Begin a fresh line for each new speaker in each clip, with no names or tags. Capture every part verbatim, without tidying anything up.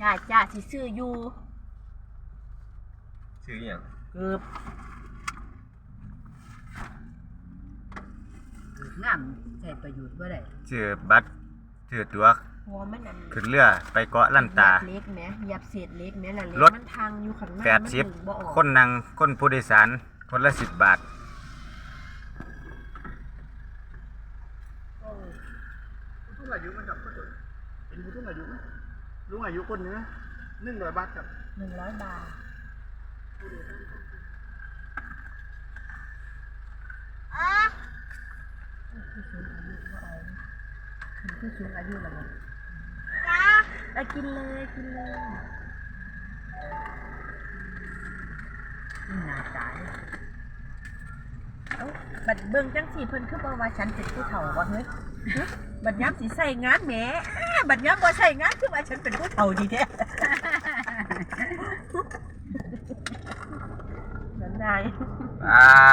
จ้าจ้าสิซื้ออยู่
ซื้ออย่าง
เกือบงามใช้ประโยชน์บ่ได้
ซื้อบัตรซื้อตั๋ว
หัวมันอัน
ขึ้นเรือไปเกาะลันตา
เล็กแหมยับเศษเล็กแหมละเล็
ก
มันทางอยู่ข้างหน้า
แปดสิบ
บ่ออก
คนนั่งคนผู้โดยสารคนละสิบบาท
ผู้สูงอายุมันกับก็จะเป็นผู้สูงอายุลุงอายุคนนึงนะหนึ่งร้อยบาทครับ
หนึ่งร้อยบาทผู้สูงอายุก็เอาผู้สูงอายุแล้วจ้าไปกินเลยกินเลยนี่น่าจ่ายเอ้าบัดเบิ่งจังสี่เพิ่นคือบ่ว่าฉันเป็นผู้เฒ่าบ่เฮ้ยบัดยามสิใส่งานแหมบัดยามบ่ใส่งานคือว่าฉันเป็นผู้เฒ่าดีแท้นั่นได้
ไป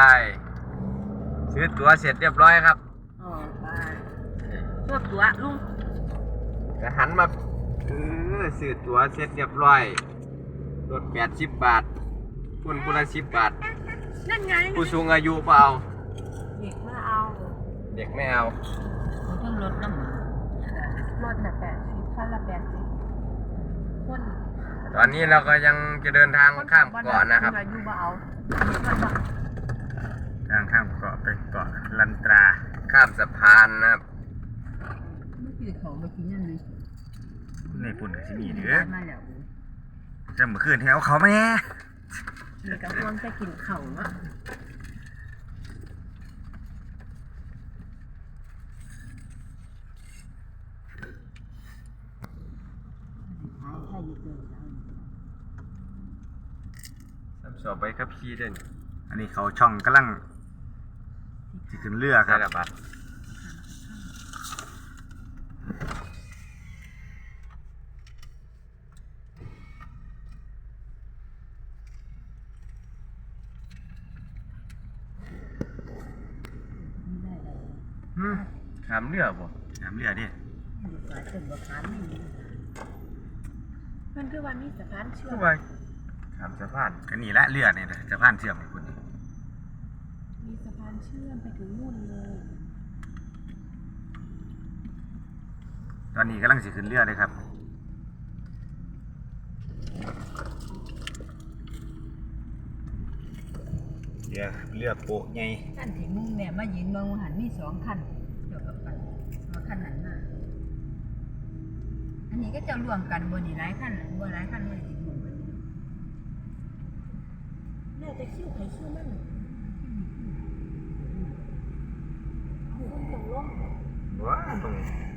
ซื้อตั๋วเสร็จเรียบร้อยครับ
อ๋อไปตัวตั๋วลุง
จะหันมาเออซื้อตั๋วเสร็จเรียบร้อยรถแปดสิบบาทคนคนละสิบบาท
นั่นไง
ผู้สูงอายุเปล่า
เด็กไม่เอา
เด็กไม่เอา
เขาต้องลดน้ำรถน่ะแปดสิบคันละแปดสิบคน
ตอนนี้เราก็ยังจะเดินทางข้ามเกาะนะครับ
อายุบ่เอา
ทางข้ามเกาะไปเกาะลันตราข้ามสะพานนะครับ
ไม่กินของไปกินยังไง
ในปุ่นกับที่นี่เด้อจะเมื่อคืนที่เอาเขามาเนี่ย
มีกระพวงจะกินเข่าเนาะ
สับสอบไปครับพี่เด่นอันนี้เขาช่องกำลังที่ขึ้นเรือครับขามเรือบ่ขามเรือดิ
มันคือวันนี้สะพานเชื่อม
ขามสะพานก็นี่ละเรือเนี่ยสะพานเชื่อมคุณ
มีสะพานเชื่อมไปถึงนู่นเลย
ตอนนี้กำลังสิขึ้นเรือเลยครับเรือเรือโป๊ะไง
ขั้นที่มุ่งแม่มายืนมองหันมีสองขั้นเกี่ยวกับกันมาขั้นนั้นน่ะอันนี้ก็จะรวมกันบนนี่หลายขั้นบนหลายขั้นเลยติดหมู่กันน่าจะคิ้วไข่คิ้วมันต้องลง
ว้าต้อง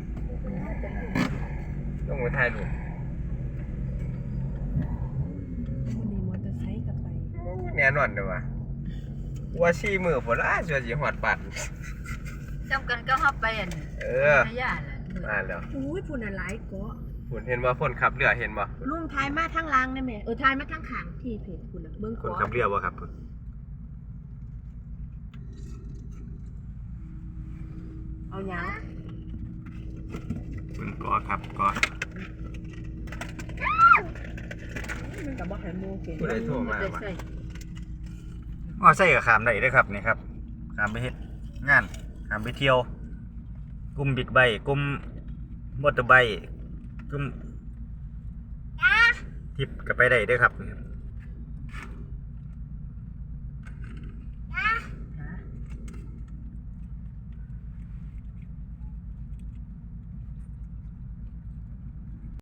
ต้องไปถ่ายรูป
คนนี้มอเตอร์ไซค์กับไป
แน่นอนเด้อวะว่าชี้มือพอละส่วนสิหอดปัด
จำกันก็ฮอบไปอัน
เออ
ระยะน่ะ
มาแล้ว
อุ้ยพุ่นน่ะหลายเกาะ
พุ่นเห็นว่าคนขับเรือเห็นบ่
ลุงทายมาทางล่างได้แม่เออทายมาทางข้างที่เพจพุ่นน่ะเบิ่ง
คนขับเรือบ่ครับพุ่น
เอาหยัง
เบิ่งเกาะครับเกาะ
มันก็บ่ให้โมเก่ง
ผู้ใดโทรมาว่าอ๋อใส่กับขามได้เด้อครับนี่ครับขามไปเฮ็ดงานขามไปเที่ยวกลุ่มบิ๊กไบค์กลุ่มมอเตอร์ไบค์กลุ่มทิปก็ไปได้เด้อครับ